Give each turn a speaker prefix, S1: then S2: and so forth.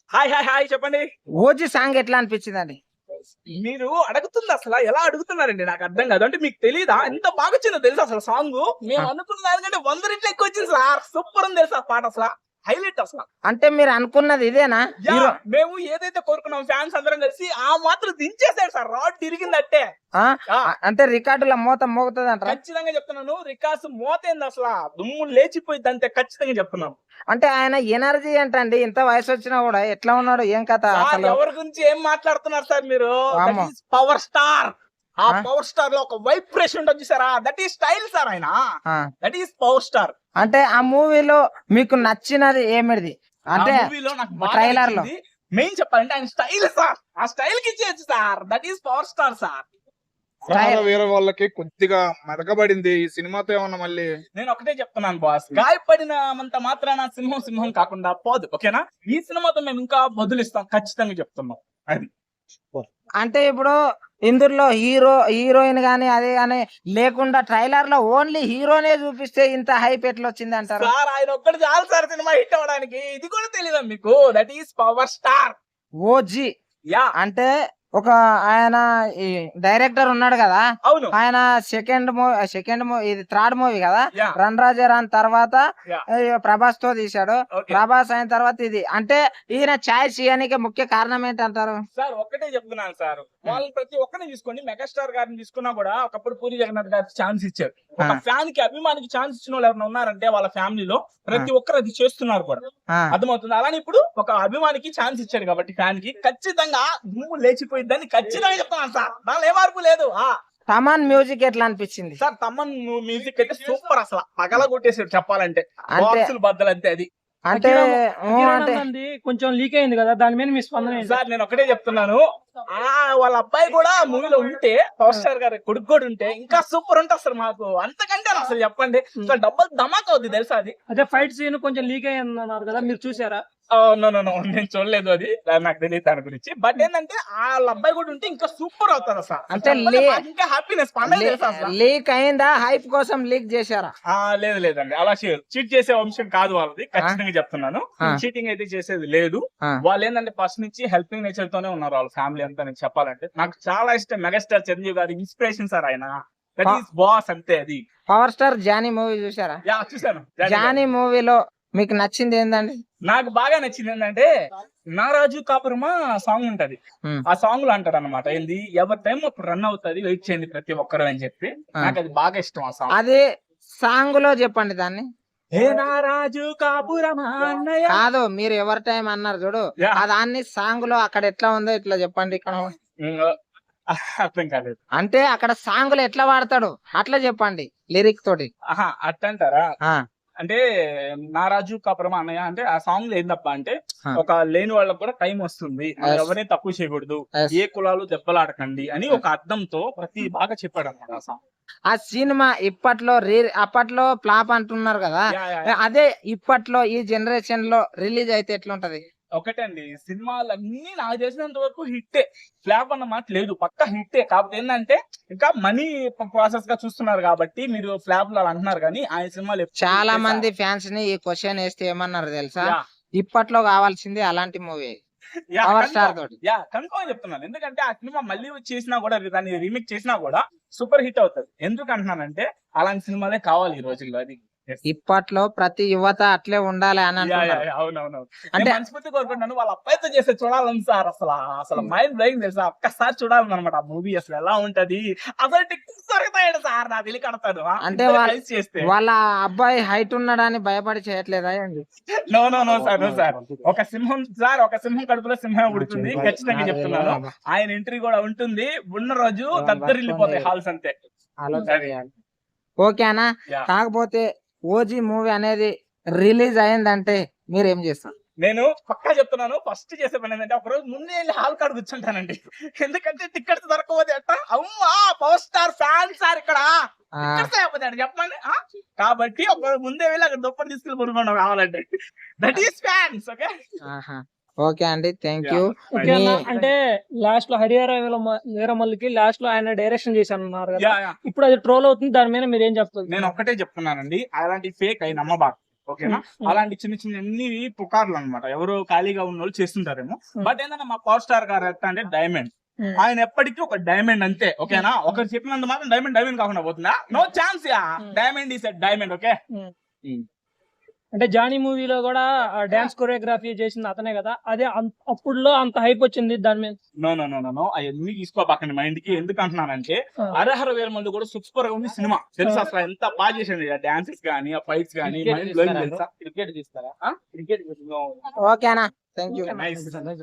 S1: Hi hi hi చెప్పండి.
S2: OG song ఎట్లా అనిపించిందండి?
S1: మీరు అడుగుతుంది అసలు ఎలా అడుగుతున్నారండి నాకు అర్థం కాదు. అంటే మీకు తెలీదా ఎంత బాగా వచ్చిందో తెలుసా అసలు సాంగ్? మేము అనుకున్న దానికంటే 100 రెట్లు ఎక్కువ వచ్చింది సార్. సూపర్ ఉంది తెలుసా పాట, అసలు హైలైట్ అసలు.
S2: అంటే మీరు అనుకున్నది ఇదేనా? హీరో
S1: మేము ఏదైతే కోరుకున్నాం ఫ్యాన్స్ అందరం కలిసి ఆ మాత్రం దించేసాడు సార్. రాడ్ తిరిగిందట్టే.
S2: అంటే రికార్డుల మోత మోగుతుంది అంటారా?
S1: ఖచ్చితంగా చెప్తున్నాను. రికార్డ్స్ మోతేంది అసలు, దుమ్ము లేచిపోయింది అంతే, ఖచ్చితంగా చెప్తున్నాను.
S2: అంటే ఆయన ఎనర్జీ ఏంటండి? ఇంత వయసు వచ్చినా కూడా ఎట్లా ఉన్నాడు? ఏం కథ అసలు?
S1: ఎవరి గురించి ఏం మాట్లాడుతున్నారు సార్ మీరు? Power star. ఆ పవర్ స్టార్ లో ఒక వైబ్రేషన్ ఉంటుంది చూసారా, దట్ ఈస్ స్టైల్ సార్. ఆయన దట్ ఈస్ పవర్ స్టార్.
S2: అంటే ఆ మూవీలో మీకు నచ్చినది ఏమిది? అంటే
S1: మూవీలో నాకు
S2: ట్రైలర్ లో
S1: మెయిన్ చెప్పాలంటే ఆయన స్టైల్ సార్. ఆ స్టైల్ కి ఇచ్చేయచ్చు sir. That is power star sir.
S3: వేరే వాళ్ళకి కొద్దిగా మెదకబడింది ఈ సినిమాతో. ఏమన్నా మళ్ళీ
S1: నేను ఒకటే చెప్తున్నాను బాస్, గాయపడినంత మాత్రాన సింహం సింహం కాకుండా పోదు. ఓకేనా? ఈ సినిమాతో మేము ఇంకా బదులిస్తాం, ఖచ్చితంగా చెప్తున్నాం. అది
S2: అంటే ఇప్పుడు ఇందులో హీరోయిన్ గానీ అదే గానీ లేకుండా ట్రైలర్ లో ఓన్లీ హీరోనే చూపిస్తే ఇంత హైప్ ఎట్లా వచ్చింది అంటారు?
S1: సార్ ఆయన ఒక్కటి చాలు సార్ సినిమా హిట్ అవ్వడానికి. ఇది కూడా తెలీదా మీకు? That is power star.
S2: OG
S1: yeah
S2: అంటే ఒక ఆయన డైరెక్టర్ ఉన్నాడు కదా,
S1: అవును.
S2: ఆయన సెకండ్ మూవీ ఇది థర్డ్ మూవీ కదా,
S1: Yeah.
S2: రన్ రాజారాన్ తర్వాత
S1: Yeah.
S2: ప్రభాస్ తో తీశాడు.
S1: Okay.
S2: ప్రభాస్ అయిన తర్వాత ఇది. అంటే ఈయన ఛాయిస్ చేయడానికి ముఖ్య కారణం ఏంటంటారు?
S1: సార్ ఒక్కటే చెప్తున్నాను సార్, వాళ్ళు ప్రతి ఒక్కరిని తీసుకోండి. మెగాస్టార్ గారిని తీసుకున్నా కూడా ఒకప్పుడు పూరి జగన్నాథ్ గారికి ఛాన్స్ ఇచ్చారు. ఒక ఫ్యాన్ కి అభిమానికి ఛాన్స్ ఇచ్చిన వాళ్ళు ఎవరైనా ఉన్నారంటే వాళ్ళ ఫ్యామిలీలో ప్రతి ఒక్కరు అది చేస్తున్నారు కూడా. అర్థమవుతుంది. అలానే ఇప్పుడు ఒక అభిమానికి ఛాన్స్ ఇచ్చాడు కాబట్టి ఫ్యాన్ కి ఖచ్చితంగా దుమ్ము లేచిపోయిందని ఖచ్చితంగా చెప్తున్నాను సార్. దానిలో ఏ మార్పు లేదు.
S2: తమన్ మ్యూజిక్ ఎట్లా అనిపించింది
S1: సార్? తమన్ మ్యూజిక్ అయితే సూపర్, అసలు పగల కొట్టేసాడు చెప్పాలంటే. బాక్సులు బద్దలు అంతే. అది
S2: అంటే
S4: కొంచెం లీక్ అయింది కదా, దాని మీద మీ స్పందన ఏంటి?
S1: సార్ నేను ఒకటే చెప్తున్నాను, వాళ్ళ అబ్బాయి కూడా మూవీలో ఉంటే, పవర్ స్టార్ గారి కొడుకు కూడా ఉంటే ఇంకా సూపర్ ఉంటుంది అసలు. మాకు అంతకంటే అసలు చెప్పండి, డబ్బులు ధమాక్ అవుద్ది తెలుసా అది.
S4: అదే ఫైట్ సీన్ కొంచెం లీక్ అయ్యింది అన్నారు కదా, మీరు చూసారా?
S1: నో నేను చూడలేదు, అది నాకు తెలియదు దాని గురించి. బట్ ఏంటంటే వాళ్ళ అబ్బాయి కూడా ఉంటే ఇంకా సూపర్ అవుతుంది అసలు.
S2: అంటే
S1: ఇంకా హ్యాపీనెస్
S2: లీక్ అయిందా? హైప్ కోసం లీక్ చేశారా?
S1: లేదండి, అలా చీట్ చేసే వంశం కాదు వాళ్ళది, ఖచ్చితంగా చెప్తున్నాను. చీటింగ్ అయితే చేసేది లేదు. వాళ్ళు ఏంటంటే ఫస్ట్ నుంచి హెల్పింగ్ నేచర్ తోనే ఉన్నారు వాళ్ళ ఫ్యామిలీ అంతా. నేను చెప్పాలంటే నాకు చాలా ఇష్టం మెగాస్టార్ చిరంజీవి గారి ఇన్స్పిరేషన్ సార్ ఆయన. దట్ ఈస్ బాస్ అంతే. అది
S2: పవర్ స్టార్ జానీ మూవీ చూసారా?
S1: చూసాను.
S2: జానీ మూవీలో మీకు నచ్చింది ఏంటండి?
S1: నాకు బాగా నచ్చింది ఏంటంటే నారాజు కాపురమా సాంగ్ ఉంటది. ఆ సాంగ్ లో అంటారు అనమాట, ఏంది ఎవరి టైం అప్పుడు రన్ అవుతుంది, వెయిట్ చేయండి ప్రతి ఒక్కరు అని చెప్పి. నాకు అది బాగా ఇష్టం ఆ సాంగ్.
S2: అదే సాంగ్ లో చెప్పండి దాన్ని.
S1: ఏ నారాజు కాపురమా అన్నయ్య
S2: కాదు, మీరు ఎవరి టైం అన్నారు చూడు, దాన్ని సాంగ్ లో అక్కడ ఎట్లా ఉందో ఇట్లా చెప్పండి. ఇక్కడ
S1: అర్థం కాలేదు.
S2: అంటే అక్కడ సాంగ్ లో ఎట్లా వాడతాడు అట్లా చెప్పండి లిరిక్ తోటి.
S1: అట్టంటారా? అంటే నారాజు కాపురమా అన్నయ్య అంటే ఆ సాంగ్ లో ఏందప్ప అంటే, ఒక లేని వాళ్ళకి కూడా టైం వస్తుంది, ఎవరిని తక్కువ చేయకూడదు, ఏ కులాలు దెబ్బలాడకండి అని ఒక అర్థంతో ప్రతి బాగా చెప్పాడు అన్నమాట ఆ సాంగ్.
S2: ఆ సినిమా అప్పట్లో ఫ్లాప్ అంటున్నారు కదా, అదే ఇప్పట్లో ఈ జనరేషన్ లో రిలీజ్ అయితే ఎట్లుంటది?
S1: ఒకటే అండి, సినిమాలన్నీ నాకు చేసినంత వరకు హిట్టే, ఫ్లాప్ అన్న మాట లేదు, పక్కా హిట్టే. కాకపోతే ఏంటంటే ఇంకా మనీ ప్రాసెస్ గా చూస్తున్నారు కాబట్టి మీరు ఫ్లాప్ లో అంటున్నారు. కానీ ఆయన సినిమాలు
S2: చాలా మంది ఫ్యాన్స్ ని ఈ క్వశ్చన్ వేస్తే ఏమన్నారు తెలుసా, ఇప్పట్లో కావాల్సింది అలాంటి మూవీ పవర్ స్టార్ తోటి.
S1: కన్ఫర్మ్ చెప్తున్నాను. ఎందుకంటే ఆ సినిమా మళ్ళీ చేసినా కూడా, దాన్ని రీమేక్ చేసినా కూడా సూపర్ హిట్ అవుతుంది. ఎందుకు అంటున్నానంటే అలాంటి సినిమాలే కావాలి ఈ రోజుల్లో. అది
S2: ఇప్పట్లో ప్రతి యువత అట్లే ఉండాలి అని అంటున్నారు.
S1: అవునవును. అంటే మనస్ఫూర్తి కోరుకుంటున్నాను వాళ్ళ అబ్బాయితో చేస్తే చూడాలని సార్. అసలు మైండ్ బ్లోయింగ్ తెలుసా, ఒక్కసారి చూడాలని అనమాట ఆ మూవీ. అసలు ఎలా ఉంటది, అసలు టికెట్స్ దొరుకుతాడు సార్, నా తెలియ కడతాడు.
S2: అంటే వాళ్ళ అబ్బాయి హైట్ ఉన్నాడని భయపడి చేయట్లేదా?
S1: No sir. ఒక సింహం సార్, ఒక సింహం కడుపులో సింహం ఉడుతుంది, ఖచ్చితంగా చెప్తున్నాను. ఆయన ఎంట్రీ కూడా ఉంటుంది. ఉన్న రోజు దద్దరిల్లిపోతాయి హాల్స్ అంతే.
S2: ఓకేనా? కాకపోతే ఓజీ మూవీ అనేది రిలీజ్ అయిందంటే మీరు ఏం చేస్తారు?
S1: నేను పక్కా చెప్తున్నాను, ఫస్ట్ చేసే పని ఏంటంటే ఒక రోజు ముందే వెళ్ళి హాల్ కాడ కూర్చుంటానండి. ఎందుకంటే టికెట్స్ దొరకకపోతే ఎట్లా, అమ్మా పవర్ స్టార్ ఫ్యాన్ సార్ ఇక్కడ చెప్పండి. కాబట్టి ఒక ముందే వెళ్ళి అక్కడ దుప్పటి తీసుకెళ్ళి కొనుక్కోండి కావాలంటే. That is fans.
S2: ఓకే అండి, థ్యాంక్ యూ.
S4: అంటే లాస్ట్ లో హరిహర వీరమల్లికి లాస్ట్ లో ఆయన డైరెక్షన్ చేశాను ఇప్పుడు అది ట్రోల్ అవుతుంది, దాని మీద మీరు ఏం చెప్తారు?
S1: నేను ఒక్కటే చెప్తున్నానండి, అలాంటి ఫేక్ అయి నమ్మబాకు. ఓకేనా. అలాంటి చిన్న చిన్న అన్ని పుకార్లు అన్నమాట, ఎవరు ఖాళీగా ఉన్న వాళ్ళు చేస్తుంటారేమో. బట్ ఏంటంటే మా పవర్ స్టార్ గారు ఎట్లా అంటే డైమండ్, ఆయన ఎప్పటికీ ఒక డైమండ్ అంతే, ఓకేనా. ఒకరు చెప్పినంత మాత్రం డైమండ్ కాకుండా పోతుందా? No chance yeah, diamond is diamond, okay.
S4: అంటే జానీ మూవీలో కూడా డాన్స్ కొరియోగ్రఫీ చేసింది అతనే కదా, అదే అప్పుడులో అంత హైప్ వచ్చింది దాని మీద.
S1: No no no no no, అవన్నీ తీసుకోబాకండి మైండ్ కి. ఎందుకు అంటున్నానంటే అరహర వేల మంది కూడా సూపర్ గా ఉంది సినిమా, తెలుసా అసలు ఎంత బాగా చేసింది, ఆ డాన్సెస్ గానీ ఆ ఫైట్స్ గానీ.
S2: క్రికెట్ తీస్తారా?
S1: క్రికెట్
S2: ఓకేనా, థ్యాంక్ యూ.
S1: నైస్.